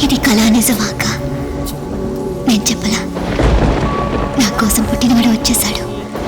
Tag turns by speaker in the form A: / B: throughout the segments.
A: ఇది కళ నిజమాక నేను చెప్పలా. నా కోసం పుట్టినవాడు వచ్చేశాడు.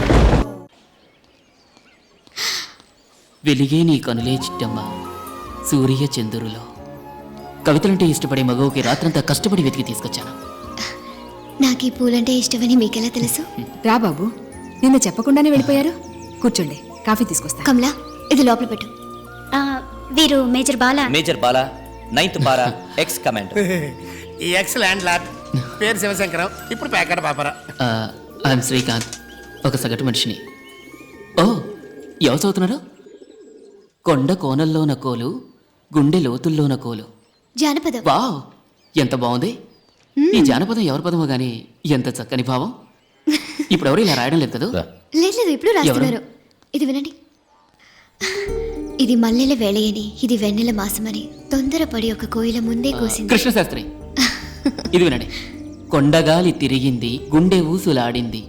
B: వెలిగే నీ కనులే చిట్టమ్మ సూర్య చంద్రులో. కవితలంటే ఇష్టపడే మగవుకి రాత్రంతా కష్టపడి వెతికి తీసుకొచ్చాను.
A: నాకు ఈ పూలంటే ఇష్టమని మీకెలా తెలుసు?
C: రా బాబు, నిన్న చెప్పకుండానే వెళ్ళిపోయారు. కూర్చోండి, కాఫీ తీసుకొస్తా.
A: కమలా, ఇది లోపల పెట్టు. వీరు major Bala.
D: Major Bala, 9th బారా, ఎక్స్ కమాండర్.
E: ఈ ఎక్స్ ల్యాండ్ లార్డ్ పేరు శివశంకరం, ఇప్పుడు ప్యాకెట్ పాపరా.
B: ఐఎమ్ శ్రీకాంత్, ఒక సగటు మనిషిని. ఓ, ఎవరు చదువుతున్నారు? కొండ కోనల్లోన కోలు, గుండె లోతుల్లోన కోలు.
A: జానపదం.
B: వావ్, ఎంత బాగుంది. ఈ జానపదం ఎవరి పదమో గానీ ఎంత చక్కని భావం. ఇప్పుడు ఎవరు ఇలా రాయడం లేదు కదా?
A: లేదు, ఇప్పుడు రాస్తున్నారు. ఇది వినండి. ఇది మల్లెల వేళయని, ఇది వెన్నెల మాసమని, తొందరపడి ఒక కోయిల ముందే కోసింది.
B: కృష్ణశాస్త్రి, ఇది వినండి. కొండగాలి తిరిగింది, గుండె ఊసులాడింది.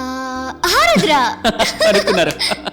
B: అనుకున్నారు.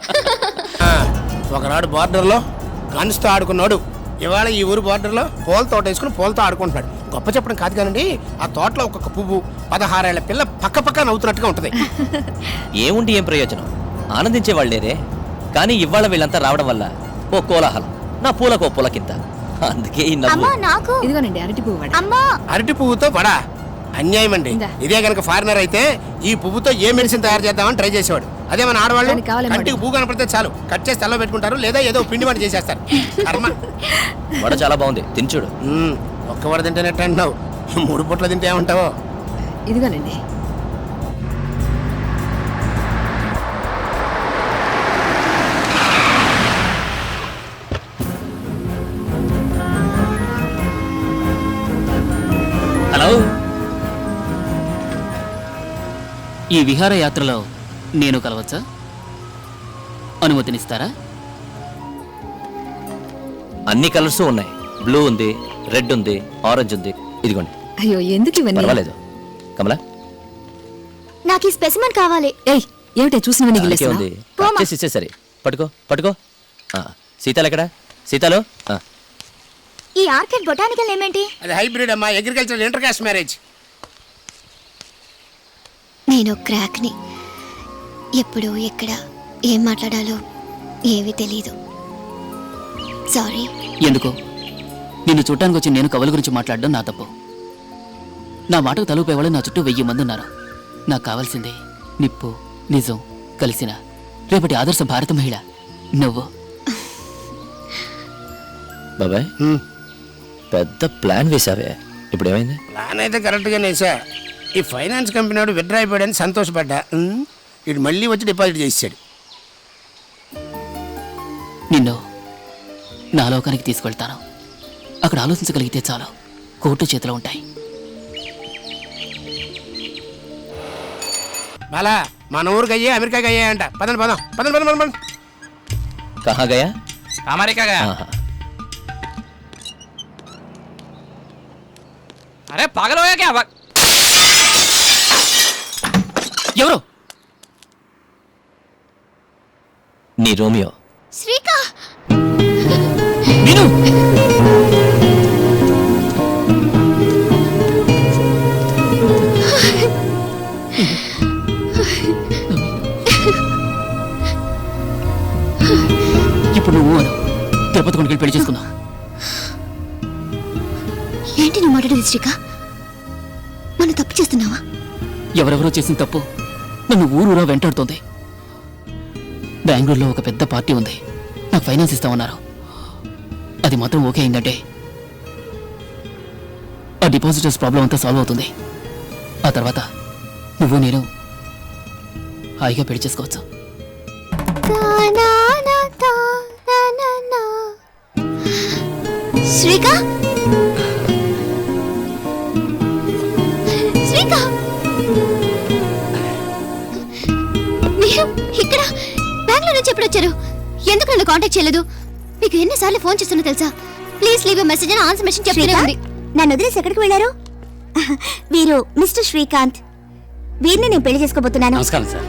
E: ఒకనాడు బార్డర్లో గన్స్తో ఆడుకున్నాడు. ఇవాళ ఈ ఊరు బార్డర్లో పూల తోట వేసుకుని పూలతో ఆడుకుంటున్నాడు. గొప్ప చెప్పడం కాదు కానండి, ఆ తోటలో ఒక్కొక్క పువ్వు 16 ఏళ్ల పిల్ల పక్క పక్క నవ్వుతున్నట్టుగా ఉంటుంది.
D: ఏముండి ఏం ప్రయోజనం? ఆనందించే వాళ్ళేరే. కానీ ఇవాళ వీళ్ళంతా రావడం వల్ల ఓ కోలాహలం. నా పూలకు ఓ పులకింత. అందుకే ఈ నవ్వు.
C: ఇదిగోనండి అరటి పువ్వు వడ.
E: అరటి పువ్వుతో వడా అన్యాయం అండి. ఇదే కనుక ఫారినర్ అయితే ఈ పువ్వుతో ఏ మెడిసిన్ తయారు చేద్దామని ట్రై చేసేవాడు. అదే మన ఆడవాళ్ళు కంటికి పువ్వు కనపడితే చాలు, కట్ చేసి తలలో పెట్టుకుంటారు, లేదా ఏదో పిండి వంట చేసేస్తారు. కర్మ.
D: వడ చాలా బాగుంది, తినచూడు.
E: ఒక్క వడ తింటేనట్టు అంటున్నావు, 3 పూట్ల తింటే ఏమంటావో.
C: ఇదిగోనండి.
B: హలో, ఈ విహారయాత్రలో నేను కలవచ్చా? అనుమతినిస్తారా?
D: అన్ని కలర్స్ ఉన్నాయి. బ్లూ ఉంది, రెడ్ ఉంది, ఆరెంజ్ ఉంది. ఇదిగోండి.
C: అయ్యో, ఎందుకు ఇవన్నీ?
D: పర్వాలేదు. కమలా,
A: నాకు ఈ స్పెసిమెన్ కావాలి.
C: ఏయ్, ఏమిటే చూసినవన్నీ
D: అందుకే ఉంది. కట్ చేసి ఇచ్చేసరి. పట్టుకో పట్టుకో. సీతాలు ఎక్కడ? సీతాలు.
A: ఈ ఆర్కిడ్ బొటానికల్ ఏమేంటి?
E: అది హైబ్రిడ్ అమ్మా, అగ్రికల్చర్ ఇంటర్ కాస్ట్ మ్యారేజ్.
A: నేను క్రాక్ని. ఎప్పుడు ఎక్కడ ఏం మాట్లాడాలో ఏమీ తెలీదు. సారీ.
B: ఎందుకు? నిన్ను చూడటానికి వచ్చి నేను కవుల గురించి మాట్లాడడం నా తప్పు. నా మాటకు తలుపేవాళ్ళు నా చుట్టూ 1000 మంది ఉన్నారు. నాకు కావాల్సిందే నిప్పు, నిజం కలిసిన రేపటి ఆదర్శ భారత మహిళ నువ్వు.
D: బాబాయ్, పెద్ద ప్లాన్ వేసావే, ఇప్పుడు ఏమైంది?
E: ప్లాన్ అయితే కరెక్ట్గా వేసా. ఈ ఫైనాన్స్ కంపెనీ వాడు విత్డ్రా అయిపోయాడని సంతోషపడ్డా. ఇటు మళ్ళీ వచ్చి డిపాజిట్ చేసాడు.
B: నిన్ను నా లోకానికి తీసుకెళ్తాను. అక్కడ ఆలోచించగలిగితే చాలు, కోర్టు చేతిలో ఉంటాయి.
E: బాలా, మన ఊరికి అయ్యే అమెరికాకి అయ్యాయంట. పదండి పదం పదండి పదం పదం.
D: కహా గయా?
F: అమెరికా. అరే పాగల్ హోయా క్యా?
B: ఎవరు?
D: నీ రోమియో.
A: శ్రీకా,
B: విను. ఇప్పుడు నువ్వు అను, తిరుపతి కొనుకెళ్ళి పెళ్లి చేసుకుందాం.
A: ఏంటి నువ్వు మాట్లాడేది శ్రీకా? మనం తప్పు చేస్తున్నావా?
B: ఎవరెవరో చేసిన తప్పు నన్ను ఊరూరా వెంటాడుతోంది. బెంగళూరులో ఒక పెద్ద పార్టీ ఉంది, నాకు ఫైనాన్స్ ఇస్తామన్నారు. అది మాత్రం ఓకే అయిందంటే ఆ డిపాజిటర్స్ ప్రాబ్లం అంతా సాల్వ్ అవుతుంది. ఆ తర్వాత నువ్వు నేను హాయిగా పెళ్లి చేసుకోవచ్చు.
A: శ్రీకా, శ్రీకా, మీరు ఇక్కడ బెంగళూరు నుంచి ఎప్పుడు వచ్చారు? ఎందుకు నన్ను కాంటాక్ట్ చేయలేదు? మీకు ఎన్నిసార్లు ఫోన్ చేస్తున్నా తెలుసా? ప్లీజ్ లీవ్ ఎ మెసేజ్ అని ఆన్సర్ మెసేజ్ చెప్తూనే ఉంది.
G: నన్ను వదిలేసి ఎక్కడికి వెళ్ళారు? వీరు మిస్టర్ శ్రీకాంత్. వీరిని నేను పెళ్లి చేసుకోబోతున్నాను.
F: నమస్కారం సార్.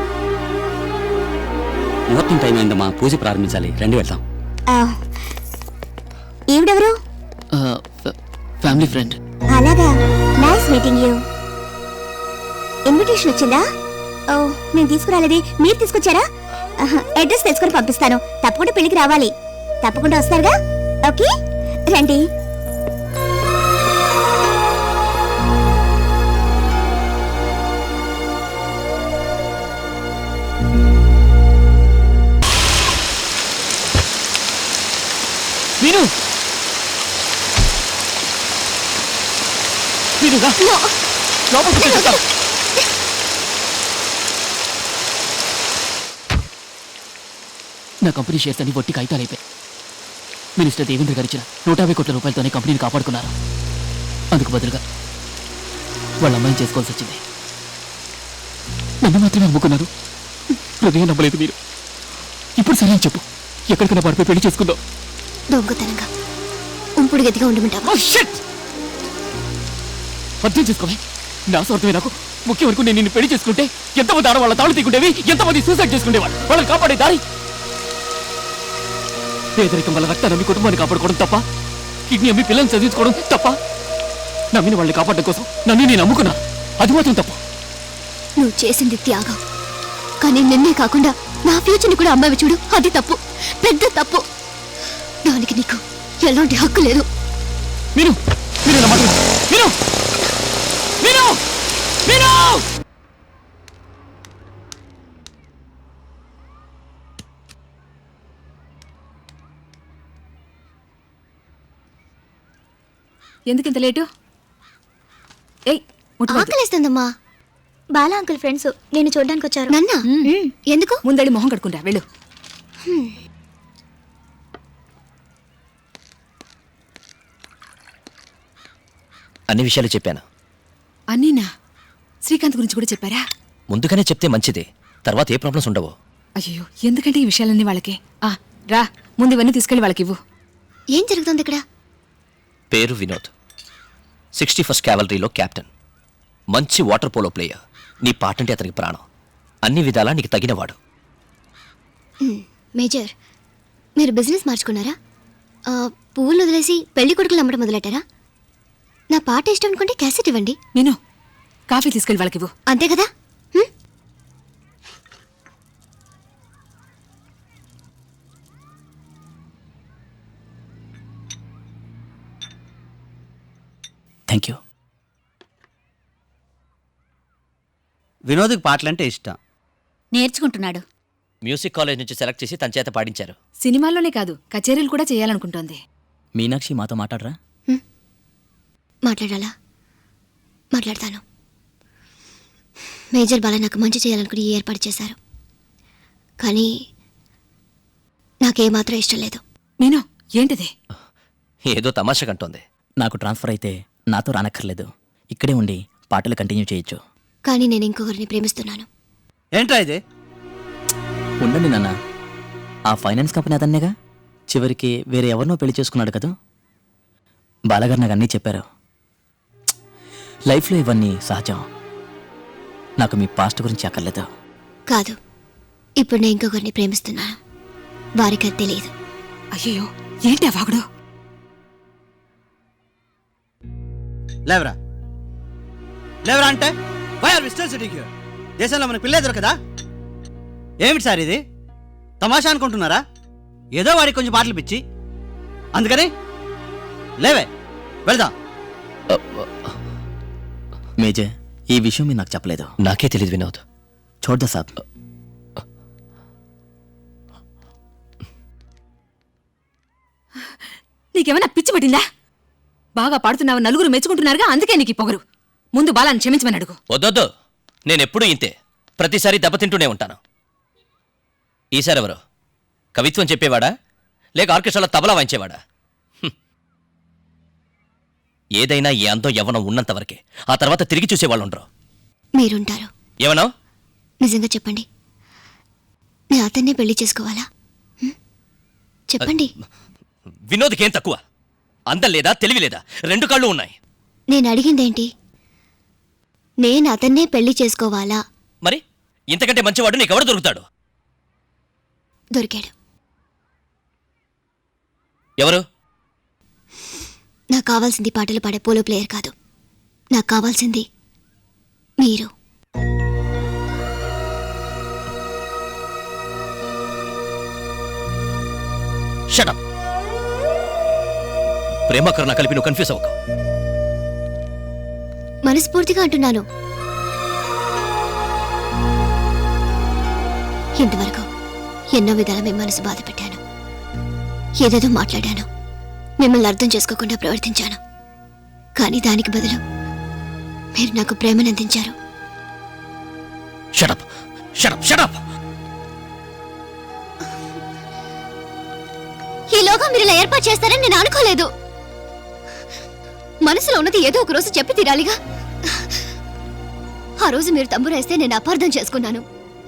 F: ముహూర్తం టైం అయిందమ్మా, పూజ ప్రారంభించాలి. రండి వెళ్దాం.
G: ఈవిడెవరు?
B: Family friend.
G: అలాగా, నైస్ మీటింగ్ యూ. ఇన్విటేషన్ వచ్చిందా? ఓ, నేను తీసుకురాలేదే, మీరు తీసుకొచ్చారా? అడ్రస్ తెలుసుకొని పంపిస్తాను. తప్పకుండా పెళ్లికి రావాలి. తప్పకుండా వస్తారుగా? ఓకే, రండి.
B: మీను మీనుగా లోపలికి తీసుకెళ్తాను. నా కంపెనీ షేర్స్ అన్ని వట్టి కాగితాలు అయిపోయాయి. మినిస్టర్ దేవేంద్ర గారు ఇచ్చిన 150 కోట్ల రూపాయలతోనే కంపెనీని కాపాడుకున్నారు. అందుకు బదులుగా వాళ్ళ అమ్మాయిని చేసుకోవాల్సి వచ్చింది. నన్ను మాత్రమే నమ్ముకున్నారు. హృదయం నమ్మలేదు మీరు. ఇప్పుడు సరే అని చెప్పు, ఎక్కడికైనా పడిపోయి పెళ్లి చేసుకుందాం.
A: దొంగతనంగా ఉంపుడు గదిగా ఉండమంటావా?
B: అర్థం చేసుకోవే, నా స్వార్థమే నాకు ముఖ్యం వరకు. నేను నిన్ను పెళ్లి చేసుకుంటే ఎంతమంది ఆడవాళ్ళ తాళు తీకుంటేవి, ఎంతమంది సూసైడ్ చేసుకునేవాళ్ళు. వాళ్ళని కాపాడే దారి పేదరికం వల్ల రక్తాన్ని అమ్మి కుటుంబాన్ని కాపాడుకోవడం తప్ప, కిడ్నీ అమ్మి పిల్లల్ని చదివించుకోవడం తప్ప, నమ్మిన వాళ్ళని కాపాడడం కోసం నన్ను నేను నమ్ముకున్నా. అది మాత్రం తప్ప.
A: నువ్వు చేసింది త్యాగం, కానీ నిన్నే కాకుండా నా ఫ్యూచర్ని కూడా అమ్మాయి చూడు, అది తప్పు, పెద్ద తప్పు. దానికి నీకు ఎలాంటి హక్కు లేదు.
B: మీరు మీరు నా మాట విను. మీరు మీరు మీరు
C: ఎందుకింత లేటు? ఏయ్, ముట్టుకోవద్దు.
A: ఆకలిస్తుందమ్మా.
G: బాలా అంకుల్ ఫ్రెండ్స్ నేను చూడడానికి వచ్చారు.
A: నన్నా? ఎందుకు?
C: ముందడి మొహం కడుకుంటా, వెళ్ళు.
D: అన్ని విషయాలు చెప్పాను.
C: అన్నీనా? శ్రీకాంత్ గురించి కూడా చెప్పారా?
D: ముందుగానే చెప్తే మంచిది, తర్వాత ఏ ప్రాబ్లమ్స్ ఉండవు.
C: అయ్యో, ఎందుకంటే ఈ విషయాలన్నీ వాళ్ళకి. రా, ముందు ఇవన్నీ తీసుకెళ్ళి వాళ్ళకి ఇవ్వు.
A: ఏం జరుగుతుంది ఇక్కడ?
D: పేరు వినోద్, 61st క్యావలరీలో క్యాప్టెన్. మంచి వాటర్ పోలో ప్లేయర్. నీ పాటంటే అతనికి ప్రాణం. అన్ని విధాలా నీకు తగినవాడు.
A: మేజర్, మీరు బిజినెస్ మార్చుకున్నారా? పువ్వులు వదిలేసి పెళ్లి కొడుకులు అమ్మడం మొదలెట్టారా? నా పాట ఇష్టం అనుకుంటే క్యాసెట్ ఇవ్వండి.
C: నేను కాఫీ తీసుకెళ్ళి వాళ్ళకి ఇవ్వు.
A: అంతే కదా?
B: Thank you.
H: వినోద్కి పాటలంటే ఇష్టం.
G: నేర్చుకుంటున్నాడు.
D: మ్యూజిక్ కాలేజ్ నుంచి సెలెక్ట్ చేసి తన చేత పాడించారు.
C: సినిమాల్లోనే కాదు, కచేరీలు కూడా చేయాలనుకుంటోంది.
B: మీనాక్షి మాతో మాట్లాడరా?
A: మాట్లాడాలా? మాట్లాడతాను. మేజర్ బాల నాకు మంచి చేయాలనుకుని ఈ ఏర్పాటు చేశారు, కానీ నాకేమాత్రం ఇష్టం లేదు.
C: మీను, ఏంటిది?
D: ఏదో తమాషా కంటోంది.
B: నాకు ట్రాన్స్ఫర్ అయితే నాతో రానక్కర్లేదు, ఇక్కడే ఉండి పాటలు కంటిన్యూ చేయొచ్చు.
A: కానీ నేను ఇంకొకరిని ప్రేమిస్తున్నాను.
H: ఏంట్రా ఇది?
B: ఉండండి నాన్న, ఆ ఫైనాన్స్ కంపెనీ అతన్నేగా, చివరికి వేరే ఎవరినో పెళ్లి చేసుకున్నాడు కదా. బాలగారు నాకు అన్నీ చెప్పారు. లైఫ్లో ఇవన్నీ సహజం. నాకు మీ పాస్ట్ గురించి అక్కర్లేదు.
A: కాదు, ఇప్పుడు నేను ఇంకొకరిని ప్రేమిస్తున్నాను. వారికి అది తెలియదు.
C: అయ్యో, ఏంటి ఆ వాగుడు?
H: లేవరా లేవరా అంటే why are we still sitting here? దేశంలో మనకు పిల్లే దొరకదా? ఏమిటి సార్ ఇది? తమాషా అనుకుంటున్నారా? ఏదో వాడికి కొంచెం పాటలు పిచ్చి, అందుకని లేవే వెళ్దాం.
B: మేజర్, ఈ విషయం మీరు నాకు చెప్పలేదు.
D: నాకే తెలియదు వినోద్.
B: చూడదా సాబ్,
C: నీకేమైనా పిచ్చి పట్టిందా? బాగా పాడుతున్నావు, నలుగురు మెచ్చుకుంటున్నారుగా, అందుకే నీకు ఈ పొగరు. ముందు బాలాన్ని క్షమించమని అడుగు.
D: వద్దొద్దు, నేనెప్పుడూ ఇంతే, ప్రతిసారి దెబ్బతింటూనే ఉంటాను. ఈసారి ఎవరు? కవిత్వం చెప్పేవాడా లేక ఆర్కెస్ట్రాలో తబలా వాయించేవాడా? ఏదైనా ఈ అందం యవ్వనం ఉన్నంత వరకే, ఆ తర్వాత తిరిగి చూసేవాళ్ళు ఉండరు.
A: మీరుంటారు.
D: ఏమన్నా?
A: నిజంగా చెప్పండి, నేను అతన్నే పెళ్లి చేసుకోవాలా? చెప్పండి.
D: వినోద్కేం తక్కువ? అందం లేదా, తెలివి లేదా? రెండు కళ్ళు ఉన్నాయి.
A: నేను అడిగిందేంటి? నేను అతన్నే పెళ్లి చేసుకోవాలా?
D: మరి ఇంతకంటే మంచివాడు నీకెవడు దొరుకుతాడు?
A: దొరికాడు.
D: ఎవరు?
A: నాకు కావాల్సింది పాటలు పాడే పోలో ప్లేయర్ కాదు. నాకు కావాల్సింది మీరు.
D: షటప్. ప్రేమకరణ కలిపి నువ్వు కన్ఫ్యూజ్ అవ్వకు.
A: మనస్ఫూర్తిగా అంటున్నాను. ఇంతవరకు ఎన్నో విధాల మీ మనసు బాధ పెట్టాను, ఏదేదో మాట్లాడాను, మిమ్మల్ని అర్థం చేసుకోకుండా ప్రవర్తించాను. కానీ దానికి బదులు మీరు నాకు ప్రేమను అందించారు.
D: Shut up shut up shut up.
A: ఈలోగా మీరు ఇలా ఏర్పాటు చేస్తారని నేను అనుకోలేదు. మనసులో ఉన్నది ఏదో ఒక రోజు చెప్పి తీరాలిగా. ఆ రోజు మీరు తంబురేస్తే నేను అపార్థం చేసుకున్నాను.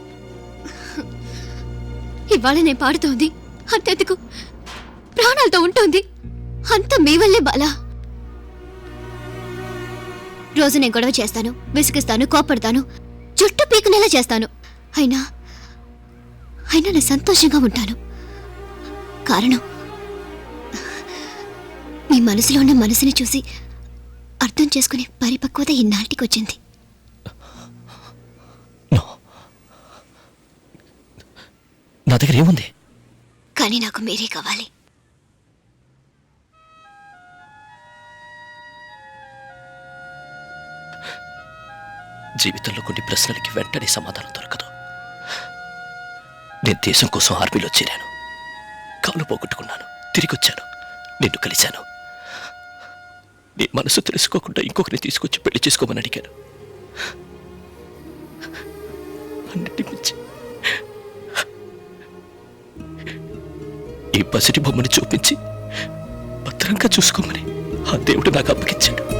A: ఇవాళ నేను పాడుతోంది అంతెందుకు ప్రాణాలతో ఉంటుంది అంత మీ వల్లే బాలా. రోజు నేను గొడవ చేస్తాను, విసిగిస్తాను, కోపడతాను, జుట్టు పీకునేలా చేస్తాను. అయినా నేను సంతోషంగా ఉంటాను. కారణం మీ మనసులో ఉన్న మనసుని చూసి అర్థం చేసుకునే పరిపక్వత ఇన్నాటికి వచ్చింది.
D: నా దగ్గర ఏముంది?
A: కానీ నాకు మీరే కావాలి.
D: జీవితంలో కొన్ని ప్రశ్నలకి వెంటనే సమాధానం దొరకదు. నేను దేశం కోసం ఆర్మీలో చేరాను, కాలు పోగొట్టుకున్నాను, తిరిగి వచ్చాను, నిన్ను కలిశాను. నీ మనసు తెలుసుకోకుండా ఇంకొకరిని తీసుకొచ్చి పెళ్లి చేసుకోమని అడిగాను. అన్నిటి మించి ఈ పసిటి బొమ్మని చూపించి భద్రంగా చూసుకోమని ఆ దేవుడు నాకు అప్పగించాడు.